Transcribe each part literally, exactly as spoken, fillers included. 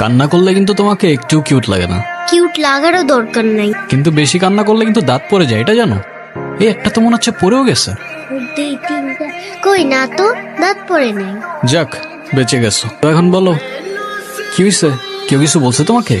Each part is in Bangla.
কান্না করলে কিন্তু তোমাকে একটু কিউট লাগে না। কিউট লাগারও দরকার নাই। কিন্তু বেশি কান্না করলে কিন্তু দাঁত পড়ে যায়, এটা জানো? এই একটা তো মনে হচ্ছে পড়েও গেছে। দুই তিনটা কই না তো, দাঁত পড়ে নাই। যাক, বেঁচে গেছো। তো এখন বলো কি হয়েছে? কেউ কিছু বলছে তোমাকে?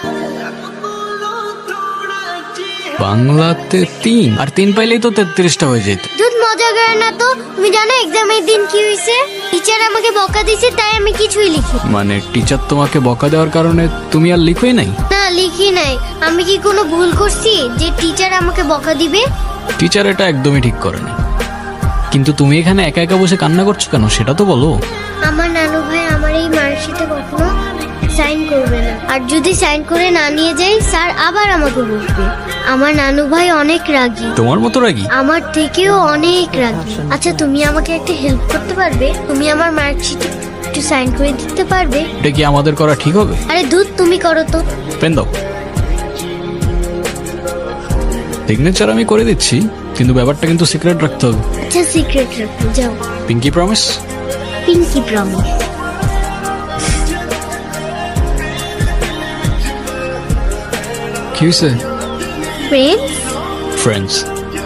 বাংলাতে তিন আর তিন পাইলেই তো তেত্রিশটা হয়ে যেত। দুধ মজা করে না তো। তুমি জানো এক্সামের দিন কি হয়েছে? টিচার আমাকে বকা দিয়েছে, তাই আমি কিছুই লিখি। মানে টিচার তোমাকে বকা দেওয়ার কারণে তুমি আর লিখোই নাই? না, লিখি নাই। আমি কি কোনো ভুল করছি যে টিচার আমাকে বকা দিবে? টিচার এটা একদমই ঠিক করেনি। কিন্তু তুমি এখানে একা একা বসে কান্না করছো কেন সেটা তো বলো। আমার নানু ভাই আমার এই মার্কশিটে কখনো সাইন করবে না, আর যদি সাইন করে না নিয়ে যাই স্যার আবার আমাকে বকবে। আমার নানু ভাই অনেক রাগী, তোমার মতো রাগী? আমার থেকেও অনেক রাগী। আচ্ছা, তুমি আমাকে একটা হেল্প করতে পারবে? তুমি আমার মার্কশিটে একটু সাইন করে দিতে পারবে? এটা কি আমাদের করা ঠিক হবে? আরে দুধ, তুমি করো তো। পেন দাও। সিগনেচার আমি করে দিচ্ছি, কিন্তু ব্যাপারটা কিন্তু সিক্রেট রাখতে হবে। আচ্ছা, সিক্রেট রাখো, যাও। Pinky promise? Pinky promise. কি হয়েছে? ফ্রেন্ডস। ফ্রেন্ডস।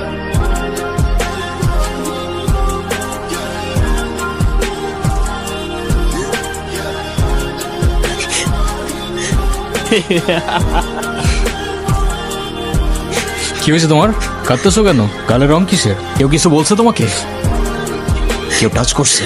কি হয়েছে তোমার? কাঁদতেছো কেন? গালের রং কিসের? কেউ কিছু বলছে তোমাকে? কেউ টাচ করছে?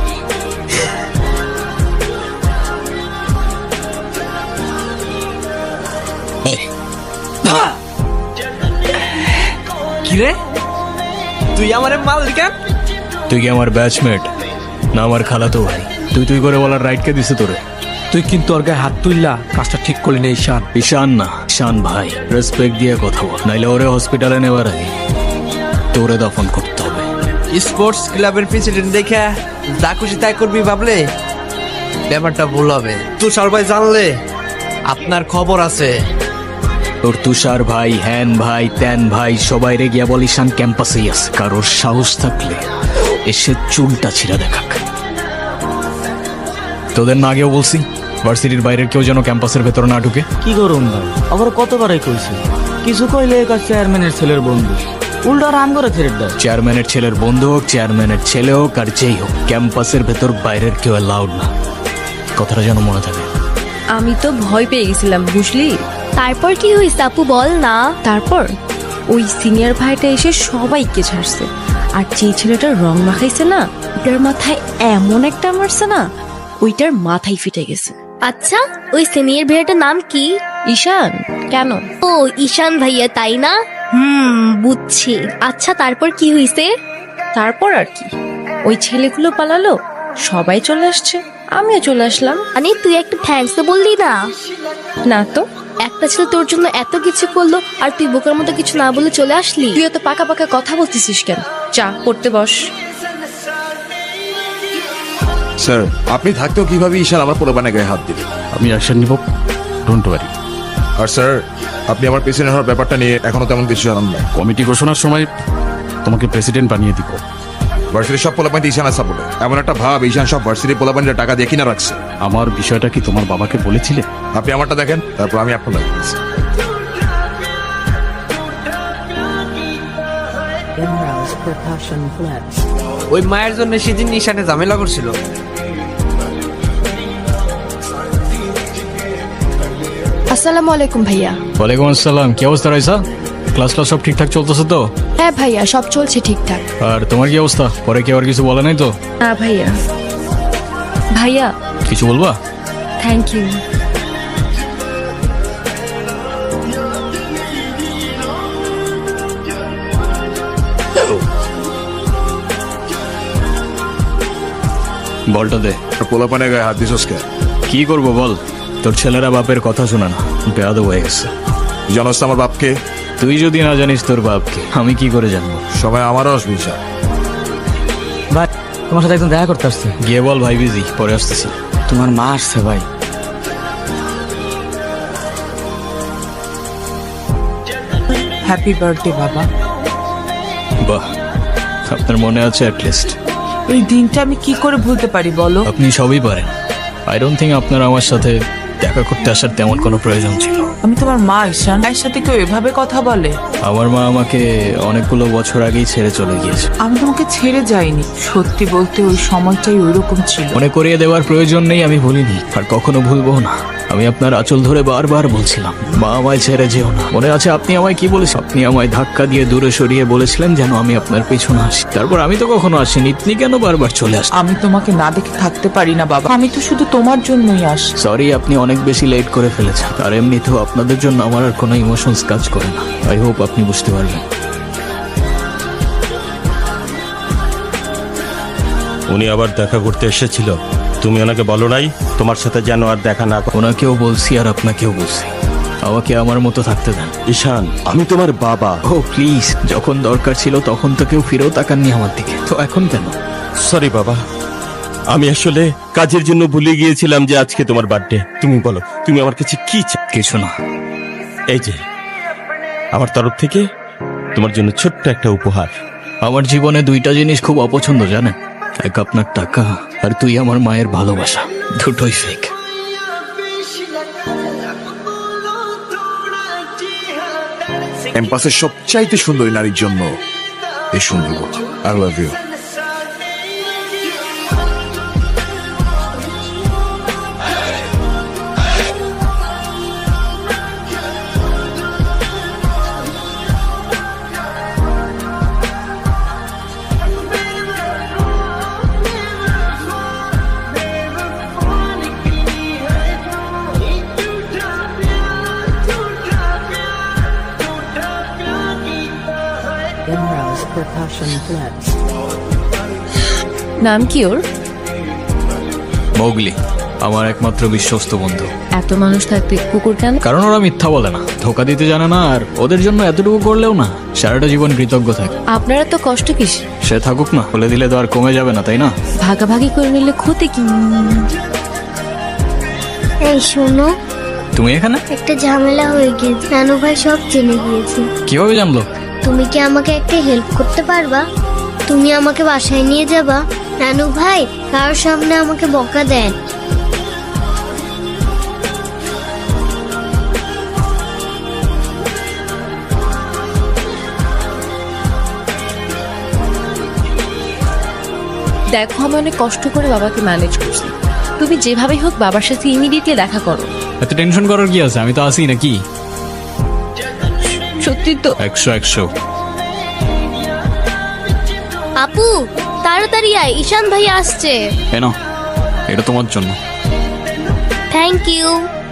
কিরে, তুই আমার মাল কেন? তুই কি আমার ব্যাচমেট না আমার খালাতো ভাই? তুই তুই করে বলার রাইট কে দিছে তোরে? তুই কিন্তু ওর গায়ে হাত তুললা, কাজটা ঠিক করলি না ঈশান। ঈশান না, ঈশান ভাই। রেসপেক্ট দিয়ে কথা বল, নাইলে ওরে হসপিটালে নেবার আগে তোরে দফন করতে হবে। স্পোর্টস ক্লাবের প্রেসিডেন্ট দেখে যা খুশি তাই করবি ভাবলে ব্যাপারটা ভুল হবে। তুষার ভাই জানলে আপনার খবর আছে। তোর তুষার ভাই, হ্যান ভাই, ত্যান ভাই সবাই রে গিয়া বল ঈশান ক্যাম্পাসেই আছে। কারোর সাহস থাকলে এসে চুলটা ছিঁড়া দেখাক। তোদের না আগেও বলছি ভার্সিটির বাইরের কেউ যেন ক্যাম্পাসের ভেতর না ঢুকে। কি করুন ভাই, আবার কতবারই কইছি, কিছু কইলে কাজ চেয়ারম্যানের ছেলের বন্ধু, উল্টা রাম করে ছেড়ে দেয়। চেয়ারম্যানের ছেলের বন্ধু হোক, চেয়ারম্যানের ছেলে হোক আর যেই হোক, ক্যাম্পাসের ভেতর বাইরের কেউ অ্যালাউড না। কথাটা যেন মনে থাকে। আমি তো ভয় পেয়ে গেছিলাম, বুঝলি? তারপর কি হয়েছে আপু, বল না। তারপর ওই সিনিয়র ভাইটা এসে সবাইকে ছাড়ছে, আর যে ছেলেটার রং মাখাইছে না, ওটার মাথায় এমন একটা মারছে না, ওইটার মাথায় ফিটে গেছে। আচ্ছা, ওই সিনিয়র ভাইয়াটার নাম কি? ঈশান। কেন? ও ঈশান ভাইয়া, তাই না? হুম, বুঝছি। আচ্ছা, তারপর কি হয়েছে? তারপর আর কি, ওই ছেলেগুলো পালালো, সবাই চলে আসছে, আমিও চলে আসলাম। মানে তুই একটা থ্যাঙ্কস তো বললি না? না তো। একটা ছেলে তোর জন্য এত কিছু করলো আর তুই বোকার মতো কিছু না বলে চলে আসলি? তুই এত পাকা পাকা কথা বলতেছিস কেন? চা পড়তে বস। স্যার, আপনি থাকতেও কিভাবে ঈশান আমার পোলাপানের গায়ে হাত দিলেন? আমি অ্যাকশন নিব, ডোন্ট ওয়ারি। আর স্যার, আপনি আমার প্রেসিডেন্ট হওয়ার ব্যাপারটা নিয়ে এখনো তেমন কিছু জানান না। কমিটি ঘোষণার সময় তোমাকে প্রেসিডেন্ট বানিয়ে দিব। ভার্সিটির সব পোলাপানি ঈশানের সাপোর্টে। এমন একটা ভাব ঈশান সব ভার্সিটির পোলাপানিরা টাকা দিয়ে কিনা রাখছে। আমার বিষয়টা কি তোমার বাবাকে বলেছিলে? আপনি আমারটা দেখেন, তারপর আমি আপনার দেখছি। ওই মায়ের জন্য সেদিন ঈশানে ঝামেলা করছিল। আসসালামু আলাইকুম ভাইয়া। ওয়ালাইকুম আসসালাম। কি অবস্থা রাইসা? ক্লাস ক্লাস সব ঠিকঠাক চলতেছে তো? হ্যাঁ ভাইয়া, সব চলছে ঠিকঠাক। আর তোমার কি অবস্থা? পরে কেউ আর কিছু বলে নাই তো? না ভাইয়া। ভাইয়া কিছু বলবা? Thank you. বলটা দে। পোলাপানের গায়ে হাত দিছস কে? কি করবো বল, তোর ছেলেরা বাপের কথা শোনা না, বেয়াদব হয়ে গেছে। জানোস তো আমার বাপকে? তুই যদি না জানিস তোর বাপকে, আমি কি করে জানবো? সময় আমারও আসবে ঈশান। ভাই, তোমার সাথে একদম দেখা করতে আসছে। গিয়ে বল ভাই বিজি, পরে আসতেছি। তোমার মা আসছে ভাই। হ্যাপি বার্থডে বাবা। বাহ, আপনার মনে আছে অ্যাটলিস্ট। এই দিনটা আমি কি করে ভুলতে পারি বলো? আপনি সবই পারেন। আই ডোন্ট থিঙ্ক আপনার আমার সাথে দেখা করতে আসার তেমন কোনো প্রয়োজন ছিল। আমি তোমার মা ঈশান, মায়ের সাথে কেউ এভাবে কথা বলে? আমার মা আমাকে অনেকগুলো বছর আগেই ছেড়ে চলে গিয়েছে। আমি তোমাকে ছেড়ে যাইনি, সত্যি বলতে ওই সময়টাই ওইরকম ছিল। মনে করিয়ে দেওয়ার প্রয়োজন নেই, আমি ভুলিনি আর কখনো ভুলবো না। আমি আপনার আঁচল ধরে বারবার বলছিলাম, মা আমায় ছেড়ে যেও না। মনে আছে আপনি আমায় কি বলেছেন? আপনি আমায় ধাক্কা দিয়ে দূরে সরিয়ে বলেছিলেন যেন আমি আপনার পেছনে আসি। তারপর আমি তো কখনো আসিনি, আপনি কেন বারবার চলে আসেন? আমি তোমাকে না দেখে থাকতে পারি না বাবা, আমি তো শুধু তোমার জন্যই আসি। সরি, আপনি অনেক বেশি লেট করে ফেলেছেন। আর এমনিতেও আপনাদের জন্য আমার আর কোনো ইমোশনস কাজ করে না। আই হোপ আপনি বুঝতে পারবেন। উনি আবার দেখা করতে এসেছিল, তুমি ওনাকে বলো নাই তোমার সাথে যেন আর দেখা না করে? ওনাকেও বলছি আর আপনাকেও বলছি, আমাকে আমার মতো থাকতে দেন। ঈশান, আমি তোমার বাবা। ও প্লিজ, যখন দরকার ছিল তখন তো কেউ ফিরেও তাকাননি আমার দিকে, তো এখন কেন? সরি বাবা, আমি আসলে কাজের জন্য ভুলে গিয়েছিলাম যে আজকে তোমার বার্থডে। তুমি বলো, তুমি আমার কাছে কি চাও? কিছু না, এই যে আমার তরফ থেকে তোমার জন্য ছোট্ট একটা উপহার। আমার জীবনে দুইটা জিনিস খুব অপছন্দ জানেন, এক আপনার টাকা আর তুই আমার মায়ের ভালোবাসা, দুটোই ফেক। ক্যাম্পাসের সবচাইতে সুন্দরী নারীর জন্য এই সুন্দর আই লাভ ইউ। নাম কি ওর? মৌগলি, আমার একমাত্র বিশ্বস্ত বন্ধু। এত মানুষ থাকতে কুকুর কেন? কারণ ওরা মিথ্যা বলে না, ধোকা দিতে জানে না, আর ওদের জন্য এতটুকু করলেও না সারাটা জীবন কৃতজ্ঞ থাকে। আপনারা তো কষ্ট কিসে? সে থাকুক না, বলে দিলে তো আর কমে যাবে না, তাই না? ভাগাভাগি করে নিলে ক্ষতি কি? এই শোনো, তুমি এখানে? একটা ঝামেলা হয়ে গিয়েছে, নানু ভাই সব জেনে গিয়েছে। কিভাবে জানলো? তুমি কি আমাকে একটা হেল্প করতে পারবা? তুমি আমাকে বাসায় নিয়ে যাবা? নানু ভাই কারোর সামনে আমাকে বকা দেন। দেখো, আমি অনেক কষ্ট করে বাবাকে ম্যানেজ করছি, তুমি যেভাবেই হোক বাবার সাথে ইমিডিয়েটলি দেখা করো। এত টেনশন করার কি আছে? আমি তো আসি নাকি। সত্যি তো? একশো একশো। আপু তাড়াতাড়ি আয়, ঈশান ভাই আসছে। এ নাও, এটা তোমার জন্য। Thank you.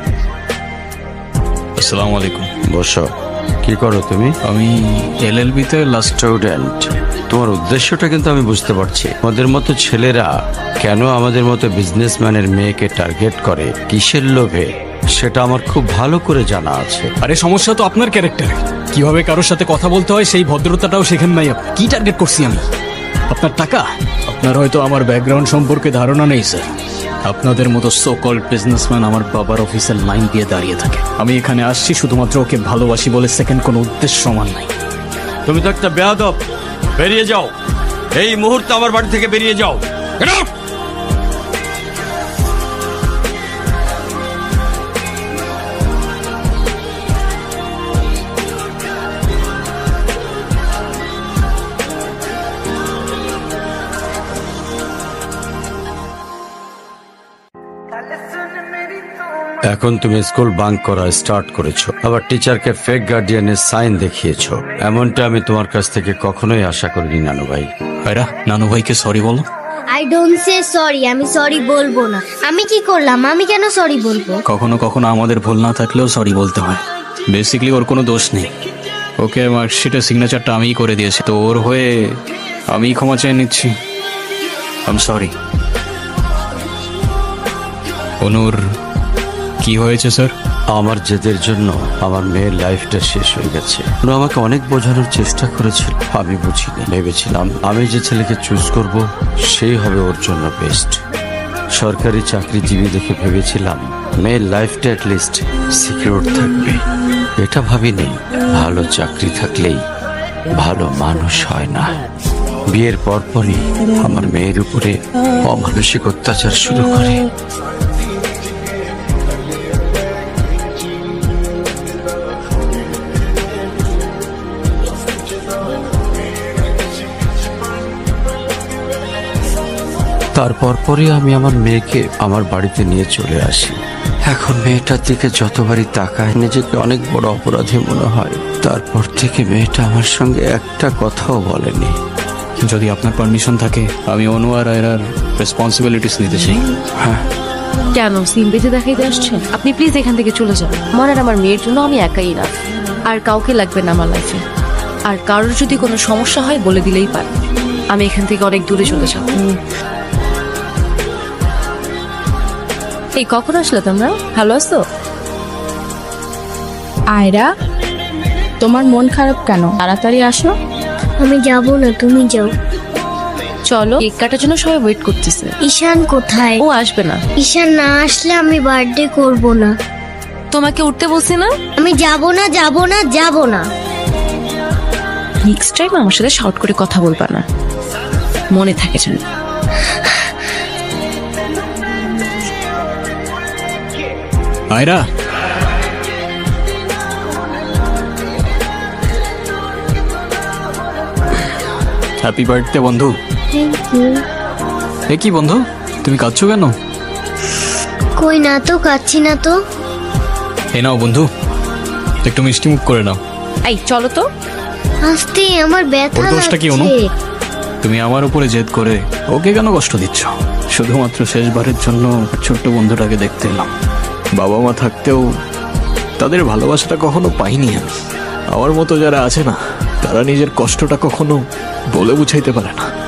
আসসালামু আলাইকুম। বসো। কি করো তুমি? আমি এলএলবি তে লাস্ট। স্টুডেন্ট, তোমার উদ্দেশ্যটা কিন্তু আমি বুঝতে পারছি। আমাদের মতো ছেলেরা কেন আমাদের মতো বিজনেসম্যানের মেয়েকে টার্গেট করে, কিসের লোভে, সেটা আমার খুব ভালো করে জানা আছে। আরে সমস্যা তো আপনার ক্যারেক্টারে, কিভাবে কারোর সাথে কথা বলতে হয় সেই ভদ্রতাটাও শেখেন নাই আপনি। কি টার্গেট করছি আমি? আপনার টাকা? আপনার হয়তো আমার ব্যাকগ্রাউন্ড সম্পর্কে ধারণা নেই স্যার। আপনাদের মতো সো কল্ড বিজনেসম্যান আমার বাবার অফিসের লাইন দিয়ে দাঁড়িয়ে থাকে। আমি এখানে আসছি শুধুমাত্র ওকে ভালোবাসি বলে, সেকেন্ড কোনো উদ্দেশ্য সমান নাই। তুমি তো একটা বেয়াদব, বেরিয়ে যাও এই মুহূর্তে, আমার বাড়ি থেকে বেরিয়ে যাও। Get out! এখন তুমি স্কুল বাঙ্ক করা স্টার্ট করেছো, আবার টিচারকে ফেক গার্ডিয়ানের সাইন দেখিয়েছো। এমনটা আমি তোমার কাছ থেকে কখনোই আশা করিনি নানু ভাই। ভাইরা, নানু ভাইকে সরি বলো। আই ডোন্ট সে সরি, আমি সরি বলবো না। আমি কি করলাম? আমি কেন সরি বলবো? কখনো কখনো আমাদের ভুল না থাকলেও সরি বলতে হয়। বেসিক্যালি ওর কোনো দোষ নেই, ওকে মার্কশিটের সিগনেচারটা আমিই করে দিয়েছি, তো ওর হয়ে আমি ক্ষমা চেয়ে নিচ্ছি। I am sorry. অনুর, কি হয়েছে স্যার? আমার জেদের জন্য আমার মেয়ের লাইফটা শেষ হয়ে গেছে। ওরা আমাকে অনেক বোঝানোর চেষ্টা করেছিল, আমি বুঝিনি। ভেবেছিলাম আমি যে ছেলেকে চুজ করব সেই হবে ওর জন্য বেস্ট। সরকারি চাকরিজীবী দেখে ভেবেছিলাম মেয়ের লাইফটা অ্যাটলিস্ট সিকিউর থাকবে। এটা ভাবিনি ভালো চাকরি থাকলেই ভালো মানুষ হয় না। বিয়ের পরপরই আমার মেয়ের উপরে অমানসিক অত্যাচার শুরু করে। আর পরপরই আমি আমার মেয়েকে আমার বাড়িতে নিয়ে চলে আসি। এখন মেয়েটার দিকে যতবারই তাকায় নিজেকে অনেক বড় অপরাধী মনে হয়। তারপর থেকে মেয়েটা আমার সঙ্গে একটা কথাও বলেনি। যদি আপনার পারমিশন থাকে আমি অনু আর আয়রার রেসপন্সিবিলিটিস নিতে চাই। হ্যাঁ, কেন সিম বেঁধে দেখাইতে আসছেন? আপনি প্লিজ এখান থেকে চলে যান। আমার আর আমার মেয়ের জন্য আমি একাই না, আর কাউকে লাগবে না আমার লাইফে। আর কারোর যদি কোনো সমস্যা হয় বলে দিলেই পারে। আমি এখান থেকে অনেক দূরে চলে যাব। এই কখন আসলে তোমরা? ভালো আছো? আয়রা, তোমার মন খারাপ কেন? তাড়াতাড়ি আসো। আমি যাব না, তুমি যাও। চলো, কেক কাটার জন্য সবাই ওয়েট করতেছে। ঈশান কোথায়? ও আসবে না। ঈশান না আসলে আমি বার্থডে করব না। তোমাকে উঠতে বলছি না? আমি যাব না, যাব না, যাব না। নেক্সট টাইম আমার সাথে শর্ট করে কথা বলবা না, মনে থাকে যেন। আয়রা, হ্যাপি বার্থডে বন্ধু। Thank you. এ কি বন্ধু, তুমি কাঁদছো কেন? কই না তো, কাচ্ছি না তো। এ নাও বন্ধু, একটু মিষ্টি মুখ করে নাও। এই চলো তো। আস্তে, আমার ব্যথা ওর দোষটা কি অনু? লাগছে। তুমি আমার উপরে জেদ করে ওকে কেন কষ্ট দিচ্ছ? শুধুমাত্র শেষবারের জন্য ছোট্ট বন্ধুটাকে দেখতে এলাম। বাবা মা থাকতেও তাদের ভালোবাসাটা কখনো পাইনি আমি। আমার মতো যারা আছে না, তারা নিজের কষ্টটা কখনো বলে বুঝাইতে পারে না।